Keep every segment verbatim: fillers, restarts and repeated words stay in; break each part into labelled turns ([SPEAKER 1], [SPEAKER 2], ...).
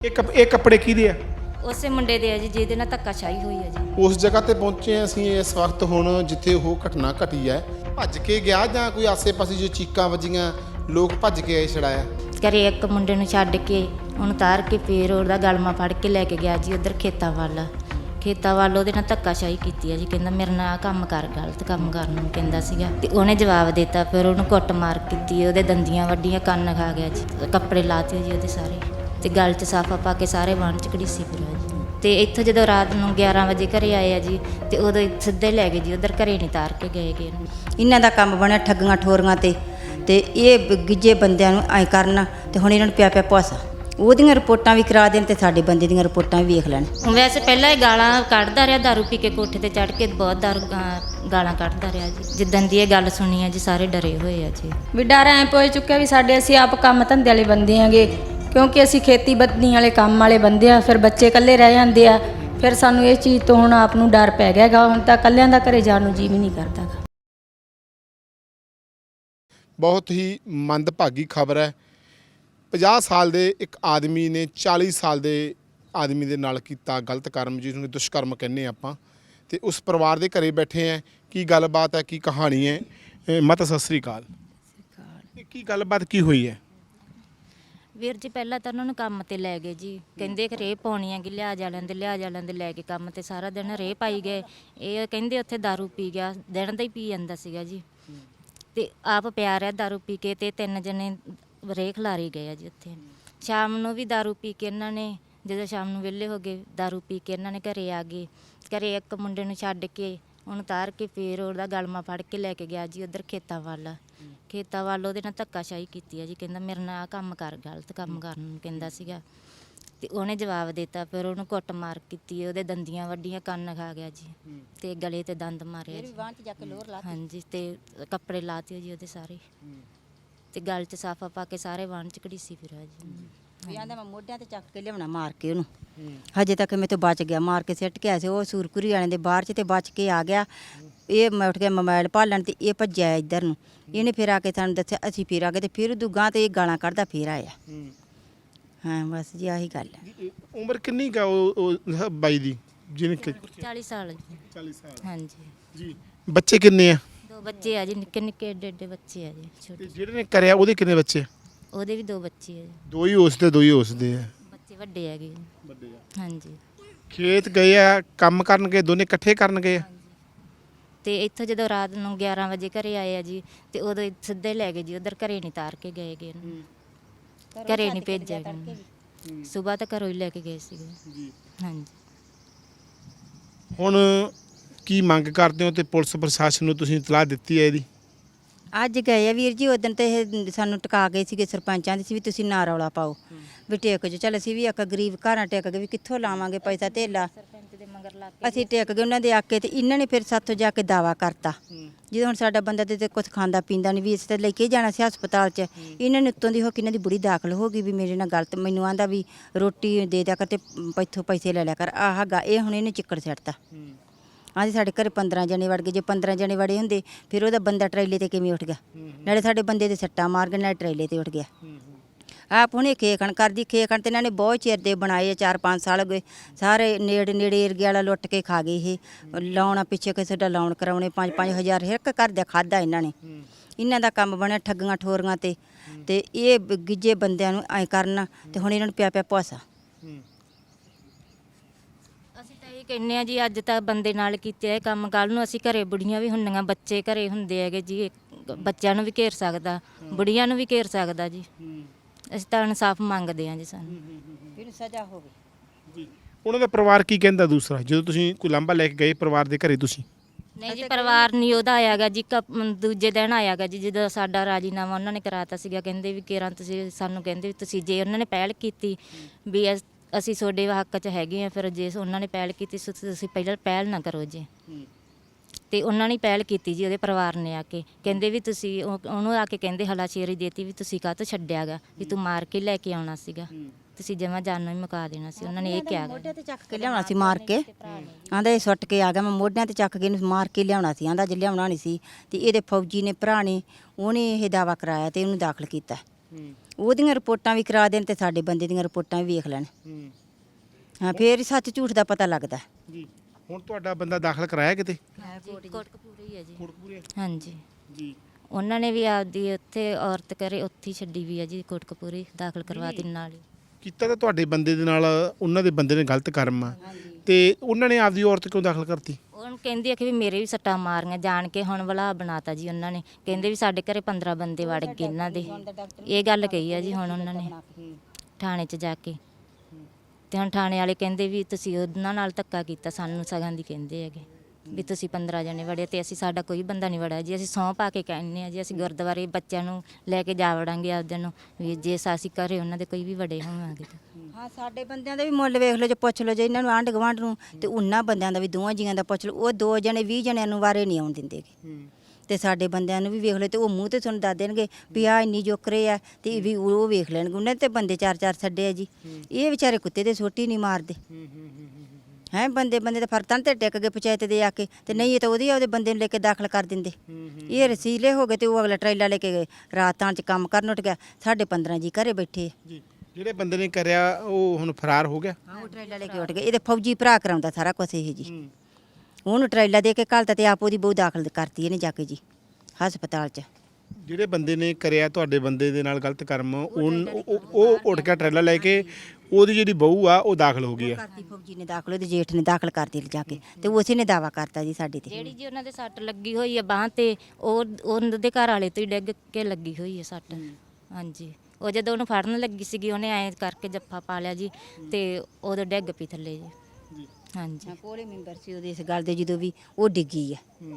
[SPEAKER 1] ਇਹ ਕੱਪ ਇਹ ਕੱਪੜੇ ਕਿਹਦੇ ਆ?
[SPEAKER 2] ਉਸੇ ਮੁੰਡੇ ਦੇ ਆ ਜੀ ਜਿਹਦੇ ਨਾਲ ਧੱਕਾਸ਼ਾਹੀ ਹੋਈ ਹੈ ਜੀ।
[SPEAKER 1] ਉਸ ਜਗ੍ਹਾ ਤੇ ਪਹੁੰਚੇ ਹਾਂ ਅਸੀਂ ਇਸ ਵਕਤ ਹੁਣ ਜਿੱਥੇ ਉਹ ਘਟਨਾ ਘਟੀ ਹੈ। ਭੱਜ ਕੇ ਗਿਆ ਜਾਂ ਕੋਈ ਆਸੇ-ਪਾਸੇ ਜੋ ਚੀਕਾਂ ਵੱਜੀਆਂ ਲੋਕ ਭੱਜ ਕੇ ਆਏ ਛੜਾਇਆ?
[SPEAKER 2] ਘਰੇ ਇੱਕ ਮੁੰਡੇ ਨੂੰ ਛੱਡ ਕੇ ਉਹਨੂੰ ਉਤਾਰ ਕੇ ਫੇਰ ਉਹਦਾ ਗਲਮਾ ਫੜ ਕੇ ਲੈ ਕੇ ਗਿਆ ਜੀ ਉਧਰ ਖੇਤਾਂ ਵੱਲ। ਖੇਤਾਂ ਵੱਲ ਉਹਦੇ ਨਾਲ ਧੱਕਾਸ਼ਾਹੀ ਕੀਤੀ ਹੈ ਜੀ। ਕਹਿੰਦਾ ਮੇਰੇ ਨਾਲ ਆਹ ਕੰਮ ਕਰ, ਗਲਤ ਕੰਮ ਕਰਨ ਨੂੰ ਕਹਿੰਦਾ ਸੀਗਾ ਤੇ ਉਹਨੇ ਜਵਾਬ ਦਿੱਤਾ। ਫਿਰ ਉਹਨੂੰ ਕੁੱਟ ਮਾਰ ਕੀਤੀ, ਉਹਦੇ ਦੰਦੀਆਂ ਵੱਡੀਆਂ, ਕੰਨ ਖਾ ਗਿਆ ਜੀ, ਕੱਪੜੇ ਲਾਤੇ ਜੀ ਉਹਦੇ ਸਾਰੇ ਤੇ ਗਲ 'ਚ ਸਾਫਾ ਪਾ ਕੇ ਸਾਰੇ ਵਾਹਣ 'ਚ ਘੜੀਸੀ ਫਿਰਿਆ ਜੀ। ਤੇ ਇੱਥੋਂ ਜਦੋਂ ਰਾਤ ਨੂੰ ਗਿਆਰਾਂ ਵਜੇ ਘਰੇ ਆਏ ਆ ਜੀ ਤੇ ਉਦੋਂ ਸਿੱਧੇ ਲੈ ਗਏ ਜੀ ਉਧਰ, ਘਰੇ ਨਹੀਂ ਤਾਰ ਕੇ ਗਏ ਗਏ।
[SPEAKER 3] ਇਹਨਾਂ ਦਾ ਕੰਮ ਬਣਿਆ ਠੱਗੀਆਂ ਠੋਰੀਆਂ ਤੇ ਤੇ ਇਹ ਗਿੱਜੇ ਬੰਦਿਆਂ ਨੂੰ ਐਂ ਕਰਨਾ ਤੇ ਹੁਣ ਇਹਨਾਂ ਨੂੰ ਪਿਆ ਪਿਆ ਪੁਆਸਾ। ਉਹਦੀਆਂ ਰਿਪੋਰਟਾਂ ਵੀ ਕਰਾ ਦੇਣ ਤੇ ਸਾਡੇ ਬੰਦੇ ਦੀਆਂ ਰਿਪੋਰਟਾਂ ਵੀ ਵੇਖ ਲੈਣ।
[SPEAKER 2] ਵੈਸੇ ਪਹਿਲਾਂ ਇਹ ਗਾਲਾਂ ਕੱਢਦਾ ਰਿਹਾ, ਦਾਰੂ ਪੀ ਕੇ ਕੋਠੇ ਤੇ ਚੜ੍ਹ ਕੇ ਬਹੁਤ ਦਾਰੂ ਗਾਲਾਂ ਕੱਢਦਾ ਰਿਹਾ ਜੀ। ਜਿੱਦਣ ਦੀ ਇਹ ਗੱਲ ਸੁਣੀ ਆ ਜੀ ਸਾਰੇ ਡਰੇ ਹੋਏ ਆ ਜੀ।
[SPEAKER 4] ਵੀ ਡਰ ਐਂ ਪੋਏ ਚੁੱਕਿਆ ਵੀ ਸਾਡੇ ਅਸੀਂ ਆਪ ਕੰਮ ਧੰਦੇ ਵਾਲੇ ਬੰਦੇ ਆਂਗੇ, ਕਿਉਂਕਿ ਅਸੀਂ ਖੇਤੀ ਬੱਦੀ ਵਾਲੇ ਕੰਮ ਵਾਲੇ ਬੰਦੇ ਆ। ਫਿਰ ਬੱਚੇ ਇਕੱਲੇ ਰਹਿ ਜਾਂਦੇ ਆ, ਫਿਰ ਸਾਨੂੰ ਇਹ ਚੀਜ਼ ਤੋਂ ਹੁਣ ਆਪ ਨੂੰ ਡਰ ਪੈ ਗਿਆ ਗਾ। ਹੁਣ ਤਾਂ ਇਕੱਲਿਆਂ ਦਾ ਘਰੇ ਜਾਣ ਨੂੰ ਜੀ ਵੀ ਨਹੀਂ ਕਰਦਾ ਗਾ।
[SPEAKER 1] ਬਹੁਤ ਹੀ ਮੰਦਭਾਗੀ ਖਬਰ ਹੈ। ਪੰਜਾਹ ਸਾਲ ਦੇ ਇੱਕ ਆਦਮੀ ਨੇ ਚਾਲੀ ਸਾਲ ਦੇ ਆਦਮੀ ਦੇ ਨਾਲ ਕੀਤਾ ਗਲਤ ਕਰਮ, ਜਿਹਨੂੰ ਦੁਸ਼ਕਰਮ ਕਹਿੰਦੇ ਆਪਾਂ। ਤੇ ਉਸ ਪਰਿਵਾਰ ਦੇ ਘਰੇ ਬੈਠੇ ਆ। ਕੀ ਗੱਲਬਾਤ ਹੈ, ਕੀ ਕਹਾਣੀ ਹੈ? ਮਾਤਾ ਸਤਿ ਸ੍ਰੀ ਅਕਾਲ। ਕੀ ਗੱਲਬਾਤ ਕੀ ਹੋਈ ਹੈ?
[SPEAKER 2] ਵੀਰ ਜੀ ਪਹਿਲਾਂ ਤਾਂ ਉਹਨਾਂ ਨੂੰ ਕੰਮ ਤੇ ਲੈ ਗਏ ਜੀ। ਕਹਿੰਦੇ ਕਿ ਰੇਹ ਪਾਉਣੀ ਹੈਗੀ, ਲਿਆ ਜਾ ਲੈਂਦੇ ਲਿਆ ਜਾ ਲੈਂਦੇ ਲੈ ਕੇ ਕੰਮ ਤੇ ਸਾਰਾ ਦਿਨ ਰੇਹ ਪਾਈ ਗਏ। ਇਹ ਕਹਿੰਦੇ ਉੱਥੇ ਦਾਰੂ ਪੀ ਗਿਆ, ਦਿਨ ਦਾ ਹੀ ਪੀ ਜਾਂਦਾ ਸੀਗਾ ਜੀ। ਤੇ ਆਪ ਪਿਆ ਰਿਹਾ ਦਾਰੂ ਪੀ ਕੇ ਤੇ ਤਿੰਨ ਜਣੇ ਰੇਹ ਖਿਲਾਰੀ ਗਏ ਆ ਜੀ ਉੱਥੇ। ਸ਼ਾਮ ਨੂੰ ਵੀ ਦਾਰੂ ਪੀ ਕੇ ਇਹਨਾਂ ਨੇ, ਜਦੋਂ ਸ਼ਾਮ ਨੂੰ ਵਿਹਲੇ ਹੋ ਗਏ ਦਾਰੂ ਪੀ ਕੇ ਇਹਨਾਂ ਨੇ ਘਰੇ ਆ ਗਏ। ਘਰੇ ਇੱਕ ਮੁੰਡੇ ਨੂੰ ਛੱਡ ਕੇ ਉਹਨੂੰ ਉਤਾਰ ਕੇ ਫੇਰ ਉਹਦਾ ਗਲਮਾ ਫੜ ਕੇ ਲੈ ਕੇ ਗਿਆ ਜੀ ਉਧਰ ਖੇਤਾਂ ਵੱਲ। ਖੇਤਾਂ ਵੱਲ ਉਹਦੇ ਨਾਲ ਧੱਕਾਸ਼ਾਹੀ ਕੀਤੀ ਹੈ ਜੀ। ਕਹਿੰਦਾ ਮੇਰੇ ਨਾਲ ਆਹ ਕੰਮ ਕਰ, ਗਲਤ ਕੰਮ ਕਰਨ ਨੂੰ ਕਹਿੰਦਾ ਸੀਗਾ ਤੇ ਉਹਨੇ ਜਵਾਬ ਦਿੱਤਾ। ਫਿਰ ਉਹਨੂੰ ਕੁੱਟ ਮਾਰ ਕੀਤੀ, ਉਹਦੇ ਦੰਦੀਆਂ ਵੱਡੀਆਂ, ਕੰਨ ਖਾ ਗਿਆ ਜੀ ਤੇ ਗਲੇ ਤੇ ਦੰਦ ਮਾਰਿਆ ਜੀ। ਹਾਂਜੀ ਤੇ ਕੱਪੜੇ ਲਾਤੇ ਜੀ ਉਹਦੇ ਸਾਰੇ ਤੇ ਗਲ 'ਚ ਸਾਫਾ ਪਾ ਕੇ ਸਾਰੇ ਵਾਹਣ 'ਚ ਘੜੀਸੀ ਫਿਰਿਆ ਜੀ।
[SPEAKER 3] ਵੀ ਆਂਦਾ ਮੈਂ ਮੋਢਿਆਂ ਤੇ ਚੱਕ ਕੇ ਲਿਆਉਣਾ ਮਾਰ ਕੇ ਉਹਨੂੰ। ਹਜੇ ਤੱਕ ਮੇਰੇ ਤੋਂ ਬਚ ਗਿਆ, ਮਾਰ ਕੇ ਸਿੱਟ ਕੇ ਆਇਆ ਸੀ ਉਹ ਸੂਰਪੁਰੀ ਵਾਲਿਆਂ ਦੇ ਬਾਹਰ 'ਚ ਤੇ ਬਚ ਕੇ ਆ ਗਿਆ। ਇਹ ਮੈਂ ਉੱਠ ਕੇ ਮੋਬਾਈਲ ਭਾਲਣ ਤੇ ਇਹ ਭੱਜਿਆ ਇੱਧਰ ਨੂੰ। ਇਹਨੇ ਫਿਰ ਆ ਕੇ ਸਾਨੂੰ ਦੱਸਿਆ, ਅਸੀਂ ਫਿਰ ਆ ਗਏ ਤੇ ਫਿਰ ਦੁੱਗਾ ਤੇ ਇਹ ਗਾਲਾਂ ਕੱਢਦਾ ਫਿਰ ਆਇਆ। ਹਾਂ ਬਸ ਜੀ ਆਹੀ ਗੱਲ ਹੈ।
[SPEAKER 1] ਉਮਰ ਕਿੰਨੀ ਕਾ ਉਹ ਬਾਈ ਦੀ? ਜਿਹਨੇ
[SPEAKER 2] ਚਾਲੀ ਸਾਲ ਜੀ।
[SPEAKER 1] ਚਾਲੀ ਸਾਲ।
[SPEAKER 2] ਹਾਂਜੀ
[SPEAKER 1] ਜੀ। ਬੱਚੇ ਕਿੰਨੇ ਆ?
[SPEAKER 2] ਦੋ ਬੱਚੇ ਆ ਜੀ, ਨਿੱਕੇ ਨਿੱਕੇ ਏਡੇ ਏਡੇ ਬੱਚੇ ਆ ਜੀ ਛੋਟੇ।
[SPEAKER 1] ਜਿਹੜੇ ਨੇ ਕਰਿਆ ਉਹਦੇ ਕਿੰਨੇ ਬੱਚੇ?
[SPEAKER 2] ਉਹਦੇ ਵੀ ਦੋ ਬੱਚੇ ਆ ਜੀ।
[SPEAKER 1] ਦੋ ਹੀ ਉਸ ਦੇ ਦੋ ਹੀ ਉਸ ਦੇ ਆ।
[SPEAKER 2] ਬੱਚੇ ਵੱਡੇ ਹੈਗੇ ਜੀ।
[SPEAKER 1] ਵੱਡੇ ਆ।
[SPEAKER 2] ਹਾਂਜੀ
[SPEAKER 1] ਖੇਤ ਗਏ ਆ ਕੰਮ ਕਰਨ ਗਏ, ਦੋਨੇ ਇਕੱਠੇ ਕਰਨ ਗਏ ਆ।
[SPEAKER 2] ਤੇ ਇੱਥੋਂ ਜਦੋਂ ਰਾਤ ਨੂੰ ਗਿਆਰਾਂ ਵਜੇ ਘਰੇ ਆਏ ਆ ਜੀ ਤੇ ਉਦੋਂ ਸਿੱਧੇ ਲੈ ਗਏ ਜੀ ਉਧਰ, ਘਰੇ ਨਹੀਂ ਤਾਰ ਕੇ ਗਏ ਗਏ ਇਹਨੂੰ, ਘਰੇ ਨਹੀਂ ਭੇਜਿਆ ਇਹਨੂੰ। ਸਵੇਰ ਤਾਂ ਘਰੋਂ ਹੀ ਲੈ ਕੇ ਗਏ ਸੀਗੇ ਜੀ। ਹਾਂਜੀ।
[SPEAKER 1] ਹੁਣ ਕੀ ਮੰਗ ਕਰਦੇ ਹੋ ਤੇ ਪੁਲਿਸ ਪ੍ਰਸ਼ਾਸਨ ਨੂੰ ਤੁਸੀਂ ਇਤਲਾਹ ਦਿੱਤੀ ਹੈ ਇਹਦੀ?
[SPEAKER 3] ਅੱਜ ਗਏ ਆ ਵੀਰ ਜੀ। ਉਦੋਂ ਤੇ ਇਹ ਸਾਨੂੰ ਟਿਕਾ ਗਏ ਸੀਗੇ, ਸਰਪੰਚਾਂ ਦੇ ਸੀ ਵੀ ਤੁਸੀਂ ਨਾ ਰੌਲਾ ਪਾਓ ਵੀ ਟੇਕ ਜੋ। ਚੱਲ ਅਸੀਂ ਵੀ ਇੱਕ ਗਰੀਬ ਘਰਾਂ ਟੇਕ ਗਏ ਵੀ ਕਿੱਥੋਂ ਲਾਵਾਂਗੇ ਪੈਸਾ ਧੇਲਾ।
[SPEAKER 2] ਸਰਪੰਚ ਦੇ ਮਗਰ ਲੱਗ
[SPEAKER 3] ਅਸੀਂ ਟੇਕ ਗਏ ਉਹਨਾਂ ਦੇ ਆਕੇ ਤੇ ਇਹਨਾਂ ਨੇ ਫਿਰ ਸਾਥੋਂ ਜਾ ਕੇ ਦਾਵਾ ਕਰਤਾ। ਜਦੋਂ ਹੁਣ ਸਾਡਾ ਬੰਦਾ ਤੇ ਕੁਝ ਖਾਂਦਾ ਪੀਂਦਾ ਨਹੀਂ, ਵੀ ਇਸ ਤੇ ਲੈ ਕੇ ਜਾਣਾ ਸੀ ਹਸਪਤਾਲ 'ਚ। ਇਹਨਾਂ ਨੇ ਉੱਤੋਂ ਦੀ ਹੋ ਕੇ ਇਹਨਾਂ ਦੀ ਬੁੜੀ ਦਾਖਲ ਹੋ ਗਈ ਵੀ ਮੇਰੇ ਨਾਲ ਗਲਤ, ਮੈਨੂੰ ਆਂਦਾ ਵੀ ਰੋਟੀ ਦੇ ਦਿਆ ਕਰ ਤੇ ਪੈਥੋਂ ਪੈਸੇ ਲੈ ਲਿਆ ਕਰ। ਆਹ ਗਾ ਇਹ ਹੁਣ ਇਹਨੇ ਚਿੱਕੜ ਛੱਡਤਾ। ਹਾਂਜੀ ਸਾਡੇ ਘਰੇ ਪੰਦਰਾਂ ਜਣੇ ਵੜ ਗਏ। ਜੇ ਪੰਦਰਾਂ ਜਣੇ ਵੜੇ ਹੁੰਦੇ ਫਿਰ ਉਹਦਾ ਬੰਦਾ ਟਰੇਲੇ ਤੇ ਕਿਵੇਂ ਉੱਠ ਗਿਆ? ਨਾਲੇ ਸਾਡੇ ਬੰਦੇ ਦੇ ਸੱਟਾਂ ਮਾਰ ਗਏ, ਨਾਲੇ ਟਰੇਲੇ ਤੇ ਉੱਠ ਗਿਆ। ਆਪ ਹੁਣੇ ਖੇਖਣ ਕਰਦੀ, ਖੇਖਣ ਤੇ ਇਹਨਾਂ ਨੇ ਬਹੁਤ ਚਿਰ ਦੇ ਬਣਾਏ, ਚਾਰ ਪੰਜ ਸਾਲ ਹੋ ਗਏ। ਸਾਰੇ ਨੇੜੇ ਨੇੜੇ ਏਰੀਏ ਵਾਲਾ ਲੁੱਟ ਕੇ ਖਾ ਗਏ। ਇਹ ਲਾਉਣਾ ਪਿੱਛੇ ਕਿਸੇ ਦਾ ਲਾਉਣ ਕਰਾਉਣੇ ਪੰਜ ਪੰਜ ਹਜ਼ਾਰ ਇੱਕ ਘਰ ਦਾ ਖਾਦਾ ਇਹਨਾਂ ਨੇ। ਇਹਨਾਂ ਦਾ ਕੰਮ ਬਣਿਆ ਠੱਗੀਆਂ ਠੋਰੀਆਂ ਤੇ ਤੇ ਇਹ ਗਿੱਜੇ ਬੰਦਿਆਂ ਨੂੰ ਐਂ ਕਰਨਾ ਤੇ ਹੁਣ ਇਹਨਾਂ ਨੂੰ ਪਿਆ ਪਿਆ ਪੁਆਸਾ।
[SPEAKER 2] ਅਸੀਂ ਤਾਂ ਇਹ ਕਹਿੰਦੇ ਆ ਜੀ, ਅੱਜ ਤਾਂ ਬੰਦੇ ਨਾਲ ਕੀਤੇ ਇਹ ਕੰਮ, ਕੱਲ੍ਹ ਨੂੰ ਅਸੀਂ ਘਰੇ ਬੁੜੀਆਂ ਵੀ ਹੁੰਦੀਆਂ, ਬੱਚੇ ਘਰੇ ਹੁੰਦੇ ਹੈਗੇ ਜੀ। ਬੱਚਿਆਂ ਨੂੰ ਵੀ ਘੇਰ ਸਕਦਾ, ਬੁੜੀਆਂ ਨੂੰ ਵੀ ਘੇਰ ਸਕਦਾ ਜੀ। ਅਸੀਂ ਤਾਂ ਇਨਸਾਫ ਮੰਗਦੇ ਹਾਂ ਜੀ, ਸਾਨੂੰ
[SPEAKER 3] ਇਹਨੂੰ ਸਜ਼ਾ ਹੋਵੇ
[SPEAKER 1] ਜੀ। ਉਹਨਾਂ ਦਾ ਪਰਿਵਾਰ ਕੀ ਕਹਿੰਦਾ? ਦੂਸਰਾ ਜਦੋਂ ਤੁਸੀਂ ਕੋਈ ਲਾਂਭਾ ਲੈ ਕੇ ਗਏ ਪਰਿਵਾਰ ਦੇ ਘਰੇ ਤੁਸੀਂ?
[SPEAKER 2] ਨਹੀਂ ਜੀ ਪਰਿਵਾਰ ਨਹੀਂ ਉਹਦਾ ਆਇਆ ਗਾ ਜੀ। ਦੂਜੇ ਦਿਨ ਆਇਆ ਗਾ ਜੀ ਜਦੋਂ ਸਾਡਾ ਰਾਜੀਨਾਮਾ ਉਹਨਾਂ ਨੇ ਕਰਾਤਾ ਸੀਗਾ। ਕਹਿੰਦੇ ਵੀ ਕੇਰਾਂ ਤੁਸੀਂ ਸਾਨੂੰ, ਕਹਿੰਦੇ ਵੀ ਤੁਸੀਂ ਜੇ ਉਹਨਾਂ ਨੇ ਪਹਿਲ ਕੀਤੀ ਵੀ ਅਸੀਂ ਤੁਹਾਡੇ ਹੱਕ 'ਚ ਹੈਗੇ ਆ, ਫਿਰ ਜੇ ਉਹਨਾਂ ਨੇ ਪਹਿਲ ਕੀਤੀ ਤੁਸੀਂ ਪਹਿਲਾਂ ਪਹਿਲ ਨਾ ਕਰੋ ਜੀ। ਤੇ ਉਹਨਾਂ ਨੇ ਪਹਿਲ ਕੀਤੀ ਜੀ, ਉਹਦੇ ਪਰਿਵਾਰ ਨੇ ਆ ਕੇ ਕਹਿੰਦੇ ਵੀ ਤੁਸੀਂ ਉਹਨੂੰ ਆ ਕੇ ਕਹਿੰਦੇ ਹਲਾਸ਼ੇਰੀ ਦੇਤੀ ਵੀ ਤੁਸੀਂ ਕਾਹਤੋਂ ਛੱਡਿਆ ਗਾ, ਵੀ ਤੂੰ ਮਾਰ ਕੇ ਲੈ ਕੇ ਆਉਣਾ ਸੀਗਾ, ਤੁਸੀਂ ਜਮਾਂ ਜਾਨੋਂ ਹੀ ਮੁਕਾ ਦੇਣਾ ਸੀ। ਉਹਨਾਂ ਨੇ ਇਹ ਕਿਹਾ
[SPEAKER 3] ਮੋਢਿਆਂ ਤੇ ਚੱਕ ਕੇ ਲਿਆਉਣਾ ਸੀ ਮਾਰ ਕੇ। ਆਂਦਾ ਇਹ ਸੁੱਟ ਕੇ ਆ ਗਿਆ, ਮੈਂ ਮੋਢਿਆਂ ਤੇ ਚੱਕ ਕੇ ਇਹਨੂੰ ਮਾਰ ਕੇ ਲਿਆਉਣਾ ਸੀ। ਆਂਦਾ ਜੇ ਲਿਆਉਣਾ ਨਹੀਂ ਸੀ ਤੇ ਇਹਦੇ ਫੌਜੀ ਨੇ ਭਰਾ ਨੇ ਉਹਨੇ ਇਹ ਦਾਵਾ ਕਰਾਇਆ ਤੇ ਉਹਨੂੰ ਦਾਖਲ ਕੀਤਾ। ਉਹਦੀਆਂ ਰਿਪੋਰਟਾਂ ਵੀ ਕਰਾ ਦੇਣ ਤੇ ਸਾਡੇ ਬੰਦੇ ਦੀਆਂ ਰਿਪੋਰਟਾਂ ਵੀ ਵੇਖ ਲੈਣ। ਹਾਂ ਫੇਰ ਹੀ ਸੱਚ ਝੂਠ ਦਾ ਪਤਾ ਲੱਗਦਾ
[SPEAKER 1] ਜੀ। ਹੁਣ ਤੁਹਾਡਾ ਬੰਦਾ ਦਾਖਲ ਕਰਾਇਆ ਕਿਤੇ?
[SPEAKER 2] ਕੋਟਕਪੂਰੇ ਹੀ ਹੈ ਜੀ।
[SPEAKER 1] ਕੋਟਕਪੂਰੇ
[SPEAKER 2] ਹਾਂਜੀ
[SPEAKER 1] ਜੀ।
[SPEAKER 2] ਉਹਨਾਂ ਨੇ ਵੀ ਆਪਦੀ ਉੱਥੇ ਔਰਤ ਕਰੇ ਉੱਥੇ ਹੀ ਛੱਡੀ ਵੀ ਆ ਜੀ, ਕੋਟਕਪੂਰੇ ਦਾਖਲ ਕਰਵਾਤੀ ਨਾਲ ਹੀ।
[SPEAKER 1] ਕੀਤਾ ਤਾਂ ਤੁਹਾਡੇ ਬੰਦੇ ਦੇ ਨਾਲ ਉਹਨਾਂ ਦੇ ਬੰਦੇ ਨੇ ਗਲਤ ਕਰਮ ਆ ਤੇ ਉਹਨਾਂ ਨੇ ਆਪਦੀ ਔਰਤ ਕਿਉਂ ਦਾਖਲ ਕਰਤੀ?
[SPEAKER 2] ਉਹਨੂੰ ਕਹਿੰਦੀ ਆ ਕਿ ਵੀ ਮੇਰੇ ਵੀ ਸੱਟਾਂ ਮਾਰੀਆਂ ਜਾਣ ਕੇ, ਹੁਣ ਵਾਲਾ ਬਣਾਤਾ ਜੀ ਉਹਨਾਂ ਨੇ। ਕਹਿੰਦੇ ਵੀ ਸਾਡੇ ਘਰੇ ਪੰਦਰਾਂ ਬੰਦੇ ਵੜ ਗਏ ਇਹਨਾਂ ਦੇ, ਇਹ ਗੱਲ ਕਹੀ ਆ ਜੀ ਹੁਣ ਉਹਨਾਂ ਨੇ ਥਾਣੇ 'ਚ ਜਾ ਕੇ। ਤੇ ਹੁਣ ਥਾਣੇ ਵਾਲੇ ਕਹਿੰਦੇ ਵੀ ਤੁਸੀਂ ਉਹਨਾਂ ਨਾਲ ਧੱਕਾ ਕੀਤਾ, ਸਾਨੂੰ ਸਗਾਂ ਦੀ ਕਹਿੰਦੇ ਹੈਗੇ ਵੀ ਤੁਸੀਂ ਪੰਦਰਾਂ ਜਣੇ ਵੜੇ ਤੇ ਅਸੀਂ ਸਾਡਾ ਕੋਈ ਬੰਦਾ ਨਹੀਂ ਵੜਿਆ ਜੀ। ਅਸੀਂ ਸਹੁੰ ਪਾ ਕੇ ਕਹਿੰਦੇ ਆ ਜੀ, ਅਸੀਂ ਗੁਰਦੁਆਰੇ ਬੱਚਿਆਂ ਨੂੰ ਲੈ ਕੇ ਜਾ ਵੜਾਂਗੇ ਆਪਦੇ ਨੂੰ ਵੀ ਜੇ ਅਸੀਂ ਘਰੇ ਉਹਨਾਂ ਦੇ ਕੋਈ ਵੀ ਵੜੇ ਹੋਵਾਂਗੇ ਤਾਂ।
[SPEAKER 3] ਹਾਂ ਸਾਡੇ ਬੰਦਿਆਂ ਦਾ ਵੀ ਮੁੱਲ ਵੇਖ ਲਓ, ਜੇ ਪੁੱਛ ਲਓ ਜੇ ਇਹਨਾਂ ਨੂੰ ਆਂਢ ਗੁਆਂਢ ਨੂੰ ਤੇ ਉਹਨਾਂ ਬੰਦਿਆਂ ਦਾ ਵੀ ਦੋਵਾਂ ਜੀਆਂ ਦਾ ਪੁੱਛ ਲਓ, ਉਹ ਦੋ ਜਣੇ ਵੀਹ ਜਣਿਆਂ ਨੂੰ ਵਾਰੇ ਨਹੀਂ ਆਉਣ ਦਿੰਦੇ ਗੇ। ਤੇ ਸਾਡੇ ਬੰਦਿਆਂ ਨੂੰ ਵੀ ਵੇਖ ਲਓ ਤੇ ਉਹ ਮੂੰਹ ਤੇ ਤੁਹਾਨੂੰ ਦੱਸ ਦੇਣਗੇ ਵੀ ਆ ਇੰਨੀ ਜੋਕਰੇ ਆ ਤੇ ਵੀ ਉਹ ਵੇਖ ਲੈਣਗੇ। ਉਹਨਾਂ ਤੇ ਬੰਦੇ ਚਾਰ ਚਾਰ ਛੱਡੇ ਆ ਜੀ, ਇਹ ਵਿਚਾਰੇ ਕੁੱਤੇ ਦੇ ਸੋਟੀ ਨਹੀਂ ਮਾਰਦੇ ਹੈ। ਬੰਦੇ ਬੰਦੇ ਤਾਂ ਫਰਤਾਂ ਤੇ ਟਿਕ ਗਏ ਪੰਚਾਇਤ ਦੇ ਆ ਕੇ, ਤੇ ਨਹੀਂ ਇਹ ਤਾਂ ਉਹਦੀ ਉਹਦੇ ਬੰਦੇ ਨੂੰ ਲੈ ਕੇ ਦਾਖਲ ਕਰ ਦਿੰਦੇ। ਇਹ ਰਸੀਲੇ ਹੋ ਗਏ ਤੇ ਉਹ ਅਗਲਾ ਟਰੇਲਾ ਲੈ ਕੇ ਰਾਤਾਂ 'ਚ ਕੰਮ ਕਰਨ ਉੱਠ ਗਿਆ। ਸਾਡੇ ਪੰਦਰਾਂ ਜੀ ਘਰੇ ਬੈਠੇ
[SPEAKER 1] ਜੀ। ਜਿਹੜੇ ਬੰਦੇ ਨੇ ਕਰਿਆ ਉਹ ਹੁਣ ਫਰਾਰ ਹੋ ਗਿਆ?
[SPEAKER 3] ਉਹ ਟਰੇਲਾ ਲੈ ਕੇ ਉੱਠ ਗਏ। ਇਹਦੇ ਫੌਜੀ ਭਰਾ ਕਰਾਉਂਦਾ ਸਾਰਾ ਕੁਝ ਇਹ ਜੀ। ਉਹਨੂੰ ਟਰੇਲਾ ਦੇ ਕੇ ਘਲਤਾ ਤੇ ਆਪ ਉਹਦੀ ਬਹੁ ਦਾਖਲ ਕਰਤੀ ਇਹਨੇ ਜਾ ਕੇ ਜੀ ਹਸਪਤਾਲ 'ਚ।
[SPEAKER 1] ਜਿਹੜੇ ਬੰਦੇ ਨੇ ਕਰਿਆ ਤੁਹਾਡੇ ਬੰਦੇ ਦੇ ਨਾਲ ਗਲਤ ਕਰਮ ਉਹ ਉਹ ਉੱਠ ਕੇ ਟਰੇਲਾ ਲੈ ਕੇ ਉਹਦੀ ਜਿਹੜੀ ਬਹੂ ਆ ਉਹ ਦਾਖਲ ਹੋ ਗਈ ਆ।
[SPEAKER 3] ਕਰਤੀ ਫੌਜੀ ਨੇ ਦਾਖਲ, ਉਹਦੇ ਜੇਠ ਨੇ ਦਾਖਲ ਕਰਤੀ ਜਾ ਕੇ ਤੇ ਉਸੇ ਨੇ ਦਾਵਾ ਕਰਤਾ ਜੀ ਸਾਡੇ ਤੇ।
[SPEAKER 2] ਜਿਹੜੀ ਜੀ ਉਹਨਾਂ ਦੇ ਸੱਟ ਲੱਗੀ ਹੋਈ ਹੈ ਬਾਂਹ ਤੇ, ਉਹ ਉਹਨਾਂ ਦੇ ਘਰ ਵਾਲੇ ਤੋਂ ਹੀ ਡਿੱਗ ਕੇ ਲੱਗੀ ਹੋਈ ਹੈ ਸੱਟ। ਹਾਂਜੀ ਉਹ ਜਦੋਂ ਉਹਨੂੰ ਫੜਨ ਲੱਗੀ ਸੀਗੀ ਉਹਨੇ ਐਂ ਕਰਕੇ ਜੱਫਾ ਪਾ ਲਿਆ ਜੀ ਤੇ ਉਦੋਂ ਡਿੱਗ ਪਈ ਥੱਲੇ ਜੀ। ਹਾਂਜੀ
[SPEAKER 3] ਕੋਲੇ ਮੈਂਬਰ ਸੀ ਉਹਦੇ ਇਸ ਗੱਲ ਦੇ ਜਦੋਂ ਵੀ ਉਹ ਡਿੱਗੀ ਆ।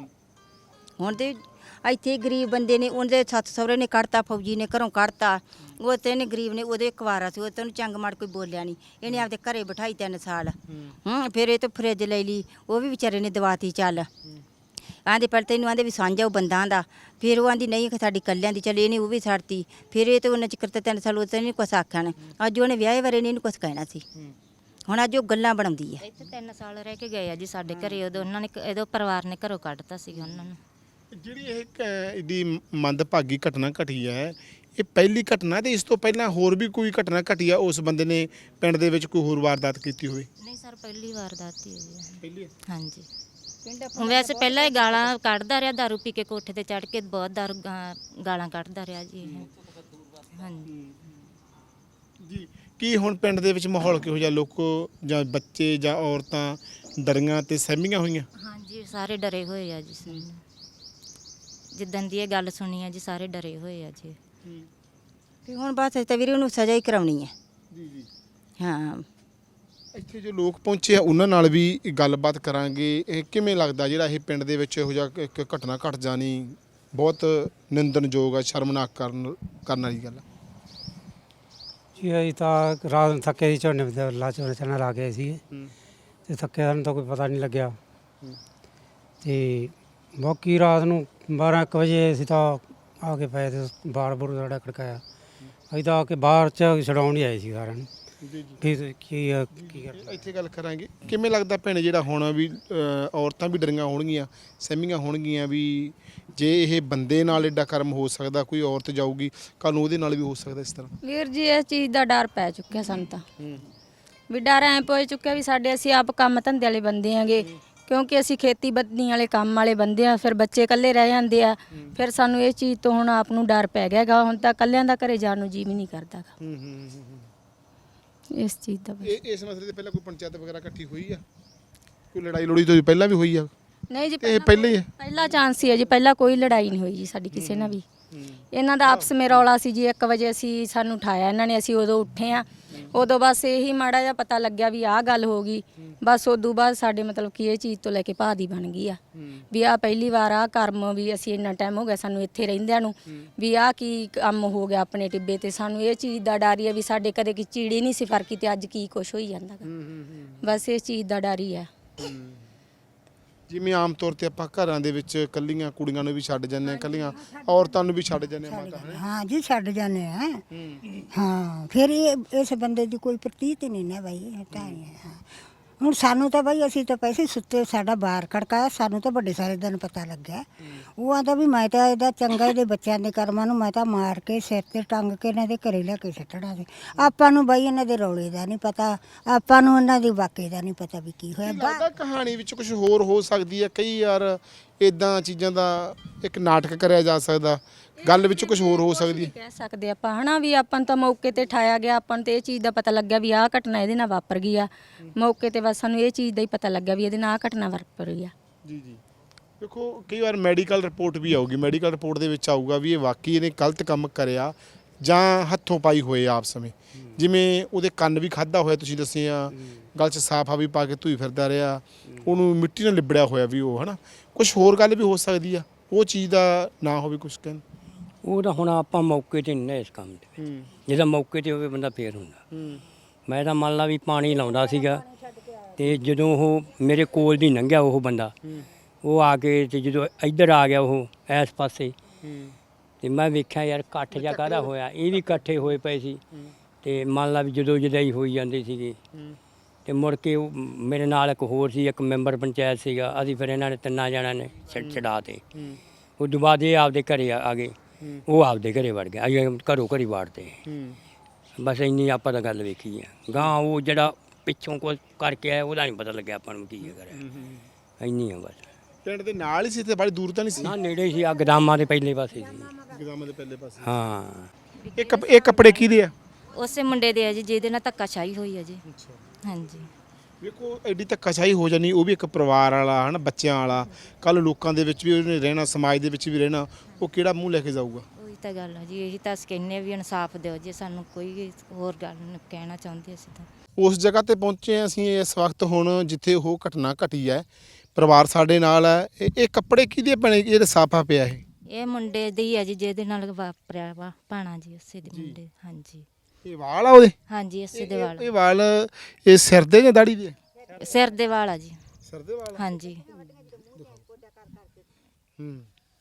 [SPEAKER 3] ਹੁਣ ਤੇ ਇੱਥੇ ਗਰੀਬ ਬੰਦੇ ਨੇ ਉਹਦੇ ਸੱਸ ਸਹੁਰੇ ਨੇ ਕੱਢਤਾ, ਫੌਜੀ ਨੇ ਘਰੋਂ ਕੱਢਤਾ। ਉਹ ਤੇ ਨੇ ਗਰੀਬ ਨੇ ਉਹਦੇ ਕੁਆਰਾ ਸੀ, ਉਹ ਤੇ ਉਹਨੂੰ ਚੰਗ ਮਾੜ ਕੋਈ ਬੋਲਿਆ ਨਹੀਂ। ਇਹਨੇ ਆਪਦੇ ਘਰੇ ਬਿਠਾਈ ਤਿੰਨ ਸਾਲ। ਹੂੰ ਫਿਰ ਇਹ ਤੋਂ ਫਰਿੱਜ ਲੈ ਲਈ, ਉਹ ਵੀ ਵਿਚਾਰੇ ਨੇ ਦਵਾਤੀ ਚੱਲ। ਆਂਦੇ ਪਰ ਤੈਨੂੰ ਆਂਦੇ ਵੀ ਸਾਂਝਾ ਉਹ ਬੰਦਾਂ ਦਾ, ਫਿਰ ਉਹ ਆਂਦੀ ਨਹੀਂ ਕਿ ਸਾਡੀ ਕੱਲਿਆਂ ਦੀ, ਚੱਲ ਇਹਨੇ ਉਹ ਵੀ ਛੱਡਤੀ। ਫਿਰ ਇਹ ਤੇ ਉਹਨਾਂ ਚ ਕਰਤਾ ਤਿੰਨ ਸਾਲ ਉਹ ਤੇ ਨਹੀਂ ਕੁਛ ਆਖਿਆ ਨੇ। ਅੱਜ ਉਹਨੇ ਵਿਆਹੇ ਬਾਰੇ ਨਹੀਂ ਇਹਨੂੰ ਕੁਛ ਕਹਿਣਾ ਸੀ। ਹੁਣ ਅੱਜ ਉਹ ਗੱਲਾਂ ਬਣਾਉਂਦੀ ਹੈ।
[SPEAKER 2] ਇੱਥੇ ਤਿੰਨ ਸਾਲ ਰਹਿ ਕੇ ਗਏ ਆ ਜੀ ਸਾਡੇ ਘਰੇ। ਉਦੋਂ ਉਹਨਾਂ ਨੇ ਇਹਦੇ ਪਰਿਵਾਰ ਨੇ ਘਰੋਂ ਕੱਢਤਾ ਸੀਗਾ ਉਹਨਾਂ ਨੂੰ।
[SPEAKER 1] ਜਿਹੜੀ ਇਹ ਇਹਦੀ ਮੰਦਭਾਗੀ ਘਟਨਾ ਘਟੀ ਹੈ, ਇਹ ਪਹਿਲੀ ਘਟਨਾ ਤੇ ਇਸ ਤੋਂ ਪਹਿਲਾਂ ਹੋਰ ਵੀ ਕੋਈ ਘਟਨਾ ਘਟੀ ਆ ਉਸ ਬੰਦੇ ਨੇ ਪਿੰਡ ਦੇ ਵਿੱਚ ਕੋਈ ਹੋਰ ਵਾਰਦਾਤ ਕੀਤੀ ਹੋਵੇ?
[SPEAKER 2] ਨਹੀਂ ਸਰ ਪਹਿਲੀ ਵਾਰਦਾਤ ਹੀ ਹੈ ਜੀ।
[SPEAKER 1] ਪਹਿਲੀ?
[SPEAKER 2] ਹਾਂਜੀ ਵੈਸੇ ਪਹਿਲਾਂ ਹੀ ਗਾਲਾਂ ਕੱਢਦਾ ਰਿਹਾ, ਦਾਰੂ ਪੀ ਕੇ ਕੋਠੇ ਤੇ ਚੜ੍ਹ ਕੇ ਬਹੁਤ ਦਾਰੂ ਗਾ- ਗਾਲਾਂ ਕੱਢਦਾ ਰਿਹਾ ਜੀ ਇਹ। ਹਾਂਜੀ
[SPEAKER 1] ਜੀ। ਕੀ ਹੁਣ ਪਿੰਡ ਦੇ ਵਿੱਚ ਮਾਹੌਲ ਕਿਹੋ ਜਿਹਾ? ਲੋਕ ਜਾਂ ਬੱਚੇ ਜਾਂ ਔਰਤਾਂ ਡਰੀਆਂ ਤੇ ਸਹਿਮੀਆਂ ਹੋਈਆਂ?
[SPEAKER 2] ਹਾਂਜੀ ਸਾਰੇ ਡਰੇ ਹੋਏ ਆ ਜੀ। ਜਿੱਦਣ ਦੀ ਇਹ ਗੱਲ ਸੁਣੀ ਆ ਜੀ ਸਾਰੇ ਡਰੇ ਹੋਏ ਆ ਜੀ।
[SPEAKER 3] ਤੇ ਹੁਣ ਬਸ ਤੇ ਵੀਰੇ ਉਹਨੂੰ ਸਜ਼ਾ ਹੀ ਕਰਾਉਣੀ ਹੈ।
[SPEAKER 1] ਜੀ ਜੀ।
[SPEAKER 3] ਹਾਂ
[SPEAKER 1] ਇੱਥੇ ਜੋ ਲੋਕ ਪਹੁੰਚੇ ਆ ਉਹਨਾਂ ਨਾਲ ਵੀ ਗੱਲਬਾਤ ਕਰਾਂਗੇ। ਇਹ ਕਿਵੇਂ ਲੱਗਦਾ ਜਿਹੜਾ ਇਹ ਪਿੰਡ ਦੇ ਵਿੱਚ ਇਹੋ ਜਿਹਾ ਇੱਕ ਘਟਨਾ ਘਟ ਜਾਣੀ ਬਹੁਤ ਨਿੰਦਣਯੋਗ ਆ, ਸ਼ਰਮਨਾਕ ਕਰਨ ਕਰਨ ਵਾਲੀ ਗੱਲ ਆ।
[SPEAKER 5] ਜੀ ਅਸੀਂ ਤਾਂ ਰਾਤ ਨੂੰ ਥੱਕੇ ਸੀ, ਝੋਨੇ ਦੇ ਲਾ ਝੋਨੇ ਚਣਾ ਲਾ ਗਏ ਸੀ ਤੇ ਥੱਕੇ ਸਾਨੂੰ ਤਾਂ ਕੋਈ ਪਤਾ ਨਹੀਂ ਲੱਗਿਆ। ਤੇ ਬਾਕੀ ਰਾਤ ਨੂੰ ਬਾਰਾਂ ਇੱਕ ਵਜੇ ਅਸੀਂ ਤਾਂ ਆ ਕੇ ਪਏ ਤੇ ਬਾਰ ਬੁਰ ਸਾਡਾ ਖੜਕਾਇਆ। ਅਸੀਂ ਤਾਂ ਆ ਕੇ ਬਾਹਰ ਚ ਛਡਾਉਣ ਹੀ ਆਏ ਸੀ ਸਾਰਿਆਂ ਨੂੰ
[SPEAKER 1] ਜੀ
[SPEAKER 5] ਵੀ ਕੀ ਆ, ਕੀ ਕਰ
[SPEAKER 1] ਇੱਥੇ ਗੱਲ ਕਰਾਂਗੇ। ਕਿਵੇਂ ਲੱਗਦਾ ਭੈਣ ਜਿਹੜਾ ਹੁਣ ਵੀ ਅ, ਔਰਤਾਂ ਵੀ ਡਰੀਆਂ ਹੋਣਗੀਆਂ, ਸਹਿਮੀਆਂ ਹੋਣਗੀਆਂ ਵੀ ਜੇ ਇਹ ਬੰਦੇ ਨਾਲ ਐਡਾ ਕਰਮ ਹੋ ਸਕਦਾ, ਕੋਈ ਔਰਤ ਜਾਊਗੀ ਕੱਲ ਨੂੰ ਉਹਦੇ ਨਾਲ ਵੀ ਹੋ ਸਕਦਾ ਇਸ ਤਰ੍ਹਾਂ?
[SPEAKER 4] ਵੀਰ ਜੀ ਇਸ ਚੀਜ਼ ਦਾ ਡਰ ਪੈ ਚੁੱਕਿਆ ਸਾਨੂੰ ਤਾਂ। ਵੀ ਡਰ ਐ ਪੈ ਚੁੱਕਿਆ ਵੀ ਸਾਡੇ ਅਸੀਂ ਆਪ ਕੰਮ ਧੰਦੇ ਵਾਲੇ ਬੰਦੇ ਆਂਗੇ, ਕਿਉਂਕਿ ਅਸੀਂ ਖੇਤੀਬਾੜੀ ਵਾਲੇ ਕੰਮ ਵਾਲੇ ਬੰਦੇ ਆ। ਫਿਰ ਬੱਚੇ ਇਕੱਲੇ ਰਹਿ ਜਾਂਦੇ ਆ, ਫਿਰ ਸਾਨੂੰ ਇਹ ਚੀਜ਼ ਤੋਂ ਹੁਣ ਆਪ ਨੂੰ ਡਰ ਪੈ ਗਿਆ ਗਾ। ਹੁਣ ਤਾਂ ਇਕੱਲਿਆਂ ਦਾ ਘਰੇ ਜਾਣ ਨੂੰ ਜੀ ਵੀ ਨਹੀਂ ਕਰਦਾ ਗਾ
[SPEAKER 1] ਹੂੰ ਹੂੰ ਹੂੰ।
[SPEAKER 4] ਇਸ ਚੀਜ਼ ਦਾ।
[SPEAKER 1] ਇਹ ਇਸ ਮਸਲੇ ਤੇ ਪਹਿਲਾਂ ਕੋਈ ਪੰਚਾਇਤ ਵਗੈਰਾ ਇਕੱਠੀ ਹੋਈ ਆ? ਕੋਈ ਲੜਾਈ ਲੜੀ ਤੋਂ ਪਹਿਲਾਂ ਵੀ ਹੋਈ ਆ?
[SPEAKER 4] ਨਹੀਂ ਜੀ
[SPEAKER 1] ਇਹ ਪਹਿਲਾਂ ਹੀ ਹੈ?
[SPEAKER 4] ਪਹਿਲਾ ਚਾਂਸ ਸੀ ਜੀ, ਪਹਿਲਾਂ ਕੋਈ ਲੜਾਈ ਨਹੀਂ ਹੋਈ ਜੀ ਸਾਡੀ ਕਿਸੇ ਨਾਲ ਵੀ। ਇਹਨਾਂ ਦਾ ਆਪਸ ਵਿੱਚ ਰੌਲਾ ਸੀ ਜੀ। ਇੱਕ ਵਜੇ ਅਸੀਂ ਸਾਨੂੰ ਉਠਾਇਆ ਇਹਨਾਂ ਨੇ, ਅਸੀਂ ਉਦੋਂ ਉੱਠੇ ਆ। ਉਦੋਂ ਬਸ ਇਹੀ ਮਾੜਾ ਜਿਹਾ ਪਤਾ ਲੱਗਿਆ ਵੀ ਆਹ ਗੱਲ ਹੋ ਗਈ। ਬਸ ਉਦੋਂ ਬਾਅਦ ਸਾਡੇ ਮਤਲਬ ਕਿ ਇਹ ਚੀਜ਼ ਤੋਂ ਲੈ ਕੇ ਭਾਦੀ ਬਣ ਗਈ ਆ ਵੀ ਆਹ ਪਹਿਲੀ ਵਾਰ ਆਹ ਕਰਮ ਵੀ ਅਸੀਂ ਇੰਨਾ ਟਾਈਮ ਹੋ ਗਿਆ ਸਾਨੂੰ ਇੱਥੇ ਰਹਿੰਦਿਆਂ ਨੂੰ ਵੀ ਆਹ ਕੀ ਕੰਮ ਹੋ ਗਿਆ ਆਪਣੇ ਟਿੱਬੇ ਤੇ। ਸਾਨੂੰ ਇਹ ਚੀਜ਼ ਦਾ ਡਰ ਹੀ ਆ ਵੀ ਸਾਡੇ ਕਦੇ ਕੀ ਚੀੜੀ ਨਹੀਂ ਸੀ ਫਰਕੀ ਤੇ ਅੱਜ ਕੀ ਕੁਛ ਹੋਈ ਜਾਂਦਾ ਗਾ। ਬਸ ਇਸ ਚੀਜ਼ ਦਾ ਡਰ ਹੀ ਆ।
[SPEAKER 1] ਜਿਵੇਂ ਆਮ ਤੌਰ ਤੇ ਆਪਾਂ ਘਰਾਂ ਦੇ ਵਿੱਚ ਕੱਲੀਆਂ ਕੁੜੀਆਂ ਨੂੰ ਵੀ ਛੱਡ ਜਾਂਦੇ ਆ, ਕੱਲੀਆਂ ਔਰਤਾਂ ਨੂੰ ਵੀ ਛੱਡ ਜਾਂਦੇ ਆ ਮਾਤਾ ਹੈ।
[SPEAKER 6] ਹਾਂ ਜੀ ਛੱਡ ਜਾਂਦੇ ਆ। ਹਾਂ ਫਿਰ ਇਹ ਇਸ ਬੰਦੇ ਦੀ ਕੋਈ ਪ੍ਰਤੀਤ ਨਹੀਂ ਨਾ ਬਾਈ। ਤਾਂ ਹੀ ਹੈ। ਹਾਂ ਹੁਣ ਸਾਨੂੰ ਤਾਂ ਬਈ ਅਸੀਂ ਤਾਂ ਪੈਸੇ ਸੁੱਤੇ ਸਾਡਾ ਬਾਹਰ ਖੜਕਾਇਆ, ਸਾਨੂੰ ਤਾਂ ਵੱਡੇ ਸਾਰੇ ਦਿਨ ਪਤਾ ਲੱਗਿਆ। ਉਹ ਆਂਦਾ ਵੀ ਮੈਂ ਤਾਂ ਇਹਦਾ ਚੰਗਾ ਇਹਦੇ ਬੱਚਿਆਂ ਦੇ ਕਰਮਾਂ ਨੂੰ ਮੈਂ ਤਾਂ ਮਾਰ ਕੇ ਸਿਰ ਤੇ ਟੰਗ ਕੇ ਇਹਨਾਂ ਦੇ ਘਰੇ ਲੈ ਕੇ ਸਿੱਟਣਾ ਸੀ। ਆਪਾਂ ਨੂੰ ਬਈ ਇਹਨਾਂ ਦੇ ਰੌਲੇ ਦਾ ਨਹੀਂ ਪਤਾ, ਆਪਾਂ ਨੂੰ ਇਹਨਾਂ ਦੀ ਵਾਕੇ ਦਾ ਨਹੀਂ ਪਤਾ ਵੀ ਕੀ ਹੋਇਆ।
[SPEAKER 1] ਲੱਗਦਾ ਕਹਾਣੀ ਵਿੱਚ ਕੁਝ ਹੋਰ ਹੋ ਸਕਦੀ ਹੈ। ਕਈ ਯਾਰ ਇਦਾਂ ਚੀਜ਼ਾਂ ਦਾ ਇੱਕ ਨਾਟਕ ਕਰਿਆ ਜਾ ਸਕਦਾ, ਗੱਲ ਵਿੱਚ ਕੁਝ ਹੋਰ ਹੋ ਸਕਦੀ ਹੈ।
[SPEAKER 4] ਕਹਿ ਸਕਦੇ ਆਪਾਂ ਹਨਾ ਵੀ ਆਪਾਂ ਨੂੰ ਤਾਂ ਮੌਕੇ ਤੇ ਠਾਇਆ ਗਿਆ, ਆਪਾਂ ਨੂੰ ਤੇ ਇਹ ਚੀਜ਼ ਦਾ ਪਤਾ ਲੱਗਿਆ ਵੀ ਆਹ ਘਟਨਾ ਇਹਦੇ ਨਾਲ ਵਾਪਰ ਗਈ ਆ। ਮੌਕੇ ਤੇ ਬਸ ਸਾਨੂੰ ਇਹ ਚੀਜ਼ ਦਾ ਹੀ ਪਤਾ ਲੱਗਿਆ ਵੀ ਇਹਦੇ ਨਾਲ ਆਹ ਘਟਨਾ ਵਾਪਰ ਗਈ ਆ।
[SPEAKER 1] ਜੀ ਜੀ ਦੇਖੋ ਕਈ ਵਾਰ ਮੈਡੀਕਲ ਰਿਪੋਰਟ ਵੀ ਆਊਗੀ, ਮੈਡੀਕਲ ਰਿਪੋਰਟ ਦੇ ਵਿੱਚ ਆਊਗਾ ਵੀ ਇਹ ਵਾਕਈ ਇਹਨੇ ਗਲਤ ਕੰਮ ਕਰਿਆ ਜਾਂ ਹੱਥੋਂ ਪਾਈ ਹੋਏ ਆਪ ਸਮੇਂ। ਜਿਵੇਂ ਉਹਦੇ ਕੰਨ ਵੀ ਖਾਦਾ ਹੋਇਆ, ਤੁਸੀਂ ਦੱਸਿਆ ਗਲ 'ਚ ਸਾਫਾ ਵੀ ਪਾ ਕੇ ਧੂਈ ਫਿਰਦਾ ਰਿਹਾ, ਉਹਨੂੰ ਮਿੱਟੀ ਨਾਲ ਲਿਬੜਿਆ ਹੋਇਆ ਵੀ ਉਹ ਹਨਾ। ਕੁਝ ਹੋਰ ਗੱਲ ਵੀ ਹੋ ਸਕਦੀ ਆ, ਉਹ ਚੀਜ਼ ਦਾ ਨਾ ਹੋਵੇ ਕੁਝ ਕਹਿਣ।
[SPEAKER 7] ਉਹ ਤਾਂ ਹੁਣ ਆਪਾਂ ਮੌਕੇ ਤੇ ਨਹੀਂ ਨਾ ਇਸ ਕੰਮ ਦੇ ਵਿੱਚ। ਜਿਹਦਾ ਮੌਕੇ ਤੇ ਹੋਵੇ ਬੰਦਾ ਫੇਰ ਹੁੰਦਾ। ਮੈਂ ਤਾਂ ਮੰਨ ਲਾ ਵੀ ਪਾਣੀ ਲਾਉਂਦਾ ਸੀਗਾ ਤੇ ਜਦੋਂ ਉਹ ਮੇਰੇ ਕੋਲ ਦੀ ਲੰਘਿਆ ਉਹ ਬੰਦਾ, ਉਹ ਆ ਕੇ ਤੇ ਜਦੋਂ ਇੱਧਰ ਆ ਗਿਆ ਉਹ ਇਸ ਪਾਸੇ, ਤੇ ਮੈਂ ਵੇਖਿਆ ਯਾਰ ਇਕੱਠ ਜਿਹਾ ਕਾਹਦਾ ਹੋਇਆ। ਇਹ ਵੀ ਇਕੱਠੇ ਹੋਏ ਪਏ ਸੀ ਤੇ ਮੰਨ ਲਾ ਵੀ ਜਦੋਂ ਜਦਾਈ ਹੋਈ ਜਾਂਦੀ ਸੀਗੀ। ਤੇ ਮੁੜ ਕੇ ਉਹ ਮੇਰੇ ਨਾਲ ਇੱਕ ਹੋਰ ਸੀ, ਇੱਕ ਮੈਂਬਰ ਪੰਚਾਇਤ ਸੀਗਾ। ਅਸੀਂ ਫਿਰ ਇਹਨਾਂ ਨੇ ਤਿੰਨਾਂ ਜਣਿਆਂ ਨੇ ਛੱਡ ਛਡਾ ਤੇ ਉਹ ਤੋਂ ਬਾਅਦ ਇਹ ਆਪਦੇ ਘਰੇ ਆ ਗਏ, ਉਹ ਆਪਦੇ ਘਰੇ ਵੜ ਗਿਆ। ਅਸੀਂ ਘਰੋਂ ਘਰੀ ਵਾੜਦੇ ਬਸ ਇੰਨੀ ਆਪਾਂ ਤਾਂ ਗੱਲ ਵੇਖੀ ਆ। ਗਾਂ ਉਹ ਜਿਹੜਾ ਪਿੱਛੋਂ ਕੁਝ ਕਰਕੇ ਆਇਆ ਉਹਦਾ ਨਹੀਂ ਪਤਾ ਲੱਗਿਆ ਆਪਾਂ ਨੂੰ ਕੀ ਕਰਿਆ। ਇੰਨੀ ਆ ਬਸ।
[SPEAKER 1] ਪਿੰਡ ਦੇ ਨਾਲ ਹੀ ਸੀ ਤੇ ਬੜੀ ਦੂਰ ਤਾਂ ਨਹੀਂ ਸੀ?
[SPEAKER 7] ਨਾ ਨੇੜੇ ਸੀ, ਆ ਗਦਾਮਾਂ ਦੇ ਪਹਿਲੇ ਪਾਸੇ ਸੀ।
[SPEAKER 1] ਗਦਾਮਾਂ ਦੇ ਪਹਿਲੇ ਪਾਸੇ।
[SPEAKER 7] ਹਾਂ
[SPEAKER 1] ਇਹ ਕੱਪ ਇਹ ਕੱਪੜੇ ਕਿਹਦੇ ਆ?
[SPEAKER 2] ਉਸੇ ਮੁੰਡੇ ਦੇ ਆ ਜੀ ਜਿਹਦੇ ਨਾਲ ਧੱਕਾਸ਼ਾਹੀ ਹੋਈ ਆ ਜੀ। ਹਾਂਜੀ
[SPEAKER 1] ਵੇਖੋ ਐਡੀ ਧੱਕਾਸ਼ਾਹੀ ਹੋ ਜਾਣੀ, ਉਹ ਵੀ ਇੱਕ ਪਰਿਵਾਰ ਵਾਲਾ ਹਨਾ, ਬੱਚਿਆਂ ਵਾਲਾ। ਕੱਲ ਲੋਕਾਂ ਦੇ ਵਿੱਚ ਵੀ ਉਹਨੇ ਰਹਿਣਾ, ਸਮਾਜ ਦੇ ਵਿੱਚ ਵੀ ਰਹਿਣਾ, ਉਹ ਕਿਹੜਾ ਮੂੰਹ ਲੈ ਕੇ ਜਾਊਗਾ?
[SPEAKER 2] ਉਹੀ ਤਾਂ ਗੱਲ ਆ ਜੀ, ਇਹੀ ਤਾਂ ਅਸੀਂ ਕਹਿੰਦੇ ਵੀ ਇਨਸਾਫ ਦਿਓ ਜੀ ਸਾਨੂੰ, ਕੋਈ ਹੋਰ ਗੱਲ ਨਹੀਂ ਕਹਿਣਾ ਚਾਹੁੰਦੇ ਅਸੀਂ ਤਾਂ।
[SPEAKER 1] ਉਸ ਜਗ੍ਹਾ ਤੇ ਪਹੁੰਚੇ ਹਾਂ ਅਸੀਂ ਇਸ ਵਕਤ ਹੁਣ ਜਿੱਥੇ ਉਹ ਘਟਨਾ ਘਟੀ ਹੈ। ਪਰਿਵਾਰ ਸਾਡੇ ਨਾਲ ਹੈ। ਇਹ ਇਹ ਕੱਪੜੇ ਕਿਹਦੇ ਬਣੇ ਜਿਹੜੇ ਸਾਫਾ ਪਿਆ ਇਹ?
[SPEAKER 2] ਇਹ ਮੁੰਡੇ ਦੀ ਆ ਜੀ ਜਿਹਦੇ ਨਾਲ ਵਾਪਰਿਆ ਵਾ ਭਾਣਾ ਜੀ, ਉਸੇ ਦੇ ਮੁੰਡੇ। ਹਾਂਜੀ
[SPEAKER 1] ਇਹ ਵਾਲ ਆ ਉਹਦੇ?
[SPEAKER 2] ਹਾਂਜੀ ਇਸੇ ਦੇ
[SPEAKER 1] ਇਹ-
[SPEAKER 2] ਵਾਲ,
[SPEAKER 1] ਇਹ ਵਾਲ ਇਹ ਸਿਰ ਦੇ ਜਾਂ ਦਾੜੀ ਦੇ?
[SPEAKER 2] ਸਿਰ ਦੇ ਵਾਲ ਆ ਜੀ।
[SPEAKER 1] ਸਿਰ ਦੇ ਵਾਲ।
[SPEAKER 2] ਹਾਂਜੀ
[SPEAKER 1] ਹੂੰ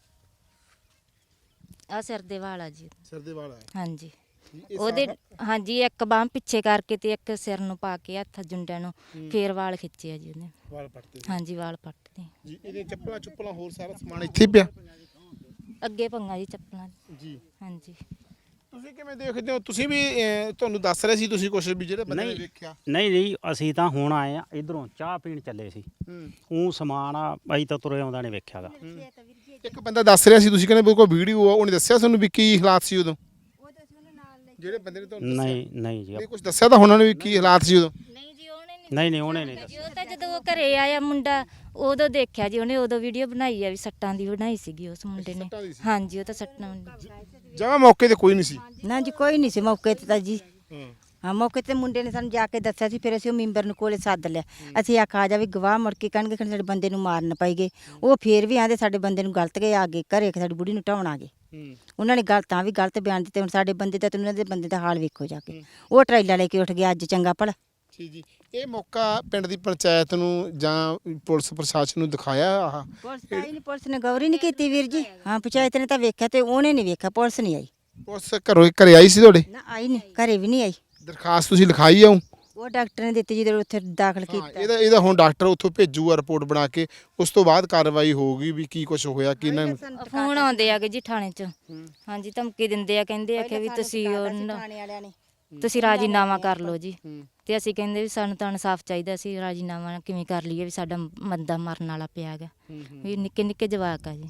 [SPEAKER 2] ਆ ਸਿਰ ਦੇ ਵਾਲ ਆ ਜੀ।
[SPEAKER 1] ਸਿਰ ਦੇ ਵਾਲ ਆ
[SPEAKER 2] ਹਾਂਜੀ
[SPEAKER 1] ਇਹ
[SPEAKER 2] ਉਹਦੇ ਹਾਂਜੀ ਇੱਕ ਬਾਂਹ ਪਿੱਛੇ ਕਰਕੇ ਤੇ ਇੱਕ ਸਿਰ ਨੂੰ ਪਾ ਕੇ ਹੱਥ ਜੁੰਡਿਆਂ ਨੂੰ ਫੇਰ ਵਾਲ ਖਿੱਚੇ ਆ ਜੀ ਉਹਨੇ।
[SPEAKER 1] ਵਾਲ ਪੱਟਦੇ
[SPEAKER 2] ਹਾਂਜੀ ਵਾਲ ਪੱਟਦੇ
[SPEAKER 1] ਜੀ। ਇਹਦੇ ਚੱਪਲਾਂ ਚੁੱਪਲਾਂ ਹੋਰ ਸਾਰਾ ਸਮਾਨ ਇੱਥੇ ਹੀ ਪਿਆ
[SPEAKER 2] ਅੱਗੇ ਪੰਗਾ ਜੀ ਚੱਪਲਾਂ।
[SPEAKER 1] ਜੀ।
[SPEAKER 2] ਹਾਂਜੀ
[SPEAKER 1] ਤੁਸੀਂ ਕਿਵੇਂ ਦੇਖਦੇ ਹੋ? ਤੁਸੀਂ ਵੀ ਅਹ, ਤੁਹਾਨੂੰ ਦੱਸ ਰਹੇ ਸੀ ਤੁਸੀਂ ਕੁਝ ਵੀ ਜਿਹੜੇ ਬੰਦੇ ਨੇ
[SPEAKER 8] ਨਹੀਂ।
[SPEAKER 1] ਵੇਖਿਆ।
[SPEAKER 8] ਨਹੀਂ ਨਹੀਂ ਅਸੀਂ ਤਾਂ ਹੁਣ ਆਏ ਆ ਇਧਰੋਂ ਚਾਹ ਪੀਣ ਚੱਲੇ ਸੀ।
[SPEAKER 1] ਹੂੰ
[SPEAKER 8] ਉਹ ਸਮਾਨ ਆ ਅਸੀਂ ਤਾਂ ਤੁਰੇ ਆਉਂਦਾ ਨੇ ਵੇਖਿਆਗਾ।
[SPEAKER 1] ਇੱਕ ਬੰਦਾ ਦੱਸ ਰਿਹਾ ਸੀ, ਤੁਸੀਂ ਕਹਿੰਦੇ ਵੀ ਕੋਈ ਵੀਡੀਓ ਆ, ਉਹਨੇ ਦੱਸਿਆ ਤੁਹਾਨੂੰ ਵੀ ਕੀ ਹਾਲਾਤ ਸੀ ਉਦੋਂ? ਜਿਹੜੇ ਬੰਦੇ ਨੇ ਤੁਹਾਨੂੰ ਦੱਸਿਆ
[SPEAKER 8] ਨਹੀਂ ਨਹੀਂ ਜੀ
[SPEAKER 1] ਨਹੀਂ ਕੁਝ ਦੱਸਿਆ ਤਾਂ ਉਹਨਾਂ ਨੇ ਵੀ ਕੀ ਹਾਲਾਤ ਸੀ ਉਦੋਂ?
[SPEAKER 2] ਨਹੀਂ ਜੀ ਉਹਨੇ
[SPEAKER 8] ਨਹੀਂ ਨਹੀਂ ਉਹਨੇ ਨਹੀਂ ਦੱਸਿਆ।
[SPEAKER 2] ਉਹ ਤਾਂ ਜਦੋਂ ਉਹ ਘਰੇ ਆਇਆ ਮੁੰਡਾ ਉਦੋਂ ਦੇਖਿਆ ਜੀ ਉਹਨੇ, ਉਦੋਂ ਵੀਡੀਓ ਬਣਾਈ ਆ ਵੀ ਸੱਟਾਂ ਦੀ ਬਣਾਈ ਸੀਗੀ ਉਸ ਮੁੰਡੇ ਨੇ। ਹਾਂਜੀ ਉਹ ਤਾਂ ਸੱਟਾਂ
[SPEAKER 1] ਜਮਾਂ ਮੌਕੇ ਤੇ ਕੋਈ ਨਹੀਂ ਸੀ।
[SPEAKER 3] ਨਾ ਜੀ ਕੋਈ ਨਹੀਂ ਸੀ ਮੌਕੇ ਤੇ ਤਾਂ ਜੀ।
[SPEAKER 1] ਹਾਂ
[SPEAKER 3] ਹਾਂ ਮੌਕੇ ਤੇ ਮੁੰਡੇ ਨੇ ਸਾਨੂੰ ਜਾ ਕੇ ਦੱਸਿਆ ਸੀ, ਫਿਰ ਅਸੀਂ ਉਹ ਮੈਂਬਰ ਨੂੰ ਕੋਲੇ ਸੱਦ ਲਿਆ। ਅਸੀਂ ਆਖਿਆ ਆ ਜਾ ਵੀ ਗਵਾਹ ਮੁੜ ਕੇ ਕਹਿਣਗੇ ਕਿ ਸਾਡੇ ਬੰਦੇ ਨੂੰ ਮਾਰਨ ਪਈਗੇ। ਉਹ ਫੇਰ ਵੀ ਆਂਦੇ ਸਾਡੇ ਬੰਦੇ ਨੂੰ ਗਲਤ ਗਏ ਆ ਗਏ ਘਰੇ, ਸਾਡੀ ਬੁੜੀ ਨੂੰ ਢਾਉਣ ਆ ਗਏ। ਉਹਨਾਂ ਨੇ ਗਲਤ ਤਾਂ ਵੀ ਗਲਤ ਬਿਆਨ ਦਿੱਤੇ। ਹੁਣ ਸਾਡੇ ਬੰਦੇ ਦਾ ਤੇ ਉਹਨਾਂ ਦੇ ਬੰਦੇ ਦਾ ਹਾਲ ਵੇਖੋ ਜਾ ਕੇ। ਉਹ ਟਰੇਲਾ ਲੈ ਕੇ ਉੱਠ ਗਿਆ ਅੱਜ ਚੰਗਾ ਭਲਾ।
[SPEAKER 1] ਜੀ ਜੀ। ਇਹ ਮੌਕਾ ਪਿੰਡ ਦੀ ਪੰਚਾਇਤ ਨੂੰ ਜਾਂ ਪੁਲਿਸ ਪ੍ਰਸ਼ਾਸਨ ਨੂੰ ਦਿਖਾਇਆ ਆਹ?
[SPEAKER 3] ਪੁਲਿਸ ਆਈ ਨਹੀਂ, ਪੁਲਿਸ ਨੇ ਗੌਰ ਹੀ ਨਹੀਂ ਕੀਤੀ ਵੀਰ ਜੀ। ਹਾਂ ਪੰਚਾਇਤ ਨੇ ਤਾਂ ਵੇਖਿਆ ਤੇ ਉਹਨੇ ਨਹੀਂ ਵੇਖਿਆ, ਪੁਲਿਸ ਨਹੀਂ ਆਈ।
[SPEAKER 1] ਪੁਲਿਸ ਘਰੋਂ ਘਰੇ ਆਈ ਸੀ ਤੁਹਾਡੇ?
[SPEAKER 3] ਨਾ ਆਈ ਨਹੀਂ, ਘਰੇ ਵੀ ਨਹੀਂ ਆਈ।
[SPEAKER 1] ਦਰਖਾਸਤ ਤੁਸੀਂ ਲਿਖਾਈ ਆਉ?
[SPEAKER 3] ਉਹ ਡਾਕਟਰ ਨੇ ਦਿੱਤੀ ਜਦੋਂ ਉੱਥੇ ਦਾਖਲ
[SPEAKER 1] ਹਾਂ,
[SPEAKER 3] ਕੀਤਾ।
[SPEAKER 1] ਇਹਦਾ ਇਹਦਾ ਹੁਣ ਡਾਕਟਰ ਉੱਥੋਂ ਭੇਜੂਗਾ ਰਿਪੋਰਟ ਬਣਾ ਕੇ, ਉਸ ਤੋਂ ਬਾਅਦ ਕਾਰਵਾਈ ਹੋਊਗੀ ਵੀ ਕੀ ਕੁਝ ਹੋਇਆ ਕੀ ਨਾ।
[SPEAKER 2] ਫੋਨ ਆਉਂਦੇ ਆਗੇ ਜੀ ਥਾਣੇ 'ਚ। ਹਾਂਜੀ ਧਮਕੀ ਦਿੰਦੇ ਆ, ਕਹਿੰਦੇ ਆ ਕਿ ਵੀ ਤੁਸੀਂ ਉਹ
[SPEAKER 3] ਥਾਣੇ ਵਾਲਿਆਂ ਨੇ
[SPEAKER 2] ਤੁਸੀਂ ਰਾਜੀਨਾਮਾ ਕਰ ਲਓ ਜੀ। ਤੇ ਅਸੀਂ ਕਹਿੰਦੇ ਵੀ ਸਾਨੂੰ ਤਾਂ ਇਨਸਾਫ ਚਾਹੀਦਾ, ਸੀ ਰਾਜੀਨਾਮਾ ਕਿਵੇਂ ਕਰ ਲਈਏ ਵੀ ਸਾਡਾ ਬੰਦਾ ਮਰਨ ਵਾਲਾ ਪਿਆ ਹੈਗਾ, ਵੀ ਨਿੱਕੇ ਨਿੱਕੇ ਜਵਾਕ ਆ ਜੀ।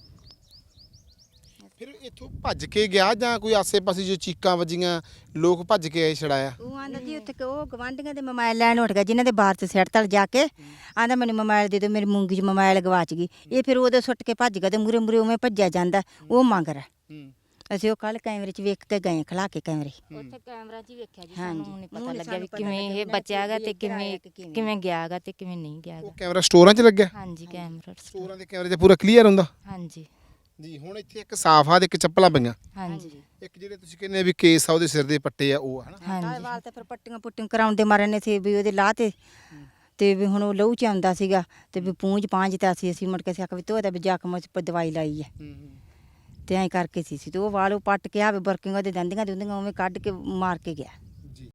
[SPEAKER 1] ਫਿਰ ਇੱਥੋਂ ਭੱਜ ਕੇ ਗਿਆ ਜਾਂ ਕੋਈ ਆਸੇ-ਪਾਸੇ ਜੋ ਚੀਕਾਂ ਵੱਜੀਆਂ ਲੋਕ ਭੱਜ ਕੇ ਆਏ ਛੜਾਇਆ?
[SPEAKER 3] ਉਹ ਆਂਦਾ ਜੀ ਉੱਥੇ ਉਹ ਗਵਾਂਢੀਆਂ ਦੇ ਮੋਬਾਈਲ ਲੈਣ ਉੱਠ ਗਿਆ, ਜਿਨ੍ਹਾਂ ਦੇ ਬਾਹਰ ਤੇ ਸਿਰ ਤਲ ਜਾ ਕੇ ਆਂਦਾ ਮੈਨੂੰ ਮੋਬਾਈਲ ਦੇ ਦਿਓ, ਮੇਰੀ ਮੂੰਗੀ 'ਚ ਮੋਬਾਈਲ ਗਵਾਚ ਗਈ। ਇਹ ਫਿਰ ਉਹਦੇ ਸੁੱਟ ਕੇ ਭੱਜ ਗਿਆ ਤੇ ਮੂਰੇ ਮੂਰੇ ਉਵੇਂ ਭੱਜਿਆ ਜਾਂਦਾ, ਉਹ ਮੰਗਰ। ਅਸੀਂ ਉਹ ਕੱਲ ਕੈਮਰੇ 'ਚ ਵੇਖ ਕੇ ਗਏ, ਖਲਾ ਕੇ ਕੈਮਰੇ।
[SPEAKER 2] ਉੱਥੇ ਕੈਮਰਾ 'ਚ ਹੀ ਵੇਖਿਆ ਜੀ, ਸਾਨੂੰ ਨਹੀਂ ਪਤਾ ਲੱਗਿਆ ਵੀ ਕਿਵੇਂ ਇਹ ਬਚਿਆ ਹੈਗਾ ਤੇ ਕਿਵੇਂ ਕਿਵੇਂ ਗਿਆ ਹੈਗਾ ਤੇ ਕਿਵੇਂ ਨਹੀਂ ਗਿਆ
[SPEAKER 1] ਉਹ
[SPEAKER 2] ਹੈਗਾ।
[SPEAKER 1] ਕੈਮਰਾ ਸਟੋਰਾਂ 'ਚ ਲੱਗਿਆ?
[SPEAKER 2] ਹਾਂਜੀ ਕੈਮਰਾ
[SPEAKER 1] ਸਟੋਰਾਂ ਦੇ ਕੈਮਰੇ 'ਚ ਪੂਰਾ ਕਲੀਅਰ ਹੁੰਦਾ?
[SPEAKER 2] ਹਾਂਜੀ
[SPEAKER 1] ਜੀ। ਹੁਣ ਇੱਥੇ ਇੱਕ ਸਾਫਾ ਤੇ ਇੱਕ ਚੱਪਲਾਂ ਪਈਆਂ,
[SPEAKER 2] ਹਾਂਜੀ
[SPEAKER 1] ਇੱਕ ਜਿਹੜੇ ਤੁਸੀਂ ਕਹਿੰਦੇ ਵੀ ਕੇਸ ਆ ਉਹਦੇ ਸਿਰ ਦੇ ਪੱਟੇ ਆ ਉਹ ਹਨਾ?
[SPEAKER 2] ਹਾਂਜੀ
[SPEAKER 3] ਵਾਲ ਤੇ ਫਿਰ ਪੱਟੀਆਂ ਪੁੱਟੀਆਂ ਕਰਾਉਂਦੇ ਮਾਰੇ ਨੇ ਸੀ ਵੀ ਉਹਦੇ ਲਾਹ ਤੇ ਤੇ ਵੀ ਹੁਣ ਉਹ ਲਹੂ ਚ ਆਉਂਦਾ ਸੀਗਾ ਤੇ ਵੀ ਪੂੰਝ ਪਾਂਝ ਤਾਂ ਅਸੀਂ ਅਸੀਂ ਮੁੜ ਕੇ ਸਿਆਕ ਵੀ ਧੋਦਾ ਵੀ ਜ਼ਖਮ ਚ ਦਵਾਈ ਲਾਈ ਹੈ ਤੇ ਐਂ ਕਰਕੇ ਸੀ ਸੀ ਤੇ ਉਹ ਵਾਲ ਉਹ ਪੱਟ ਕੇ ਆਵੇ ਵਰਕਿੰਗ ਉਹਦੇ ਦੰਦੀਆਂ ਦੁੰਦੀਆਂ ਉਵੇਂ ਕੱਢ ਕੇ ਮਾਰ ਕੇ ਗਿਆ।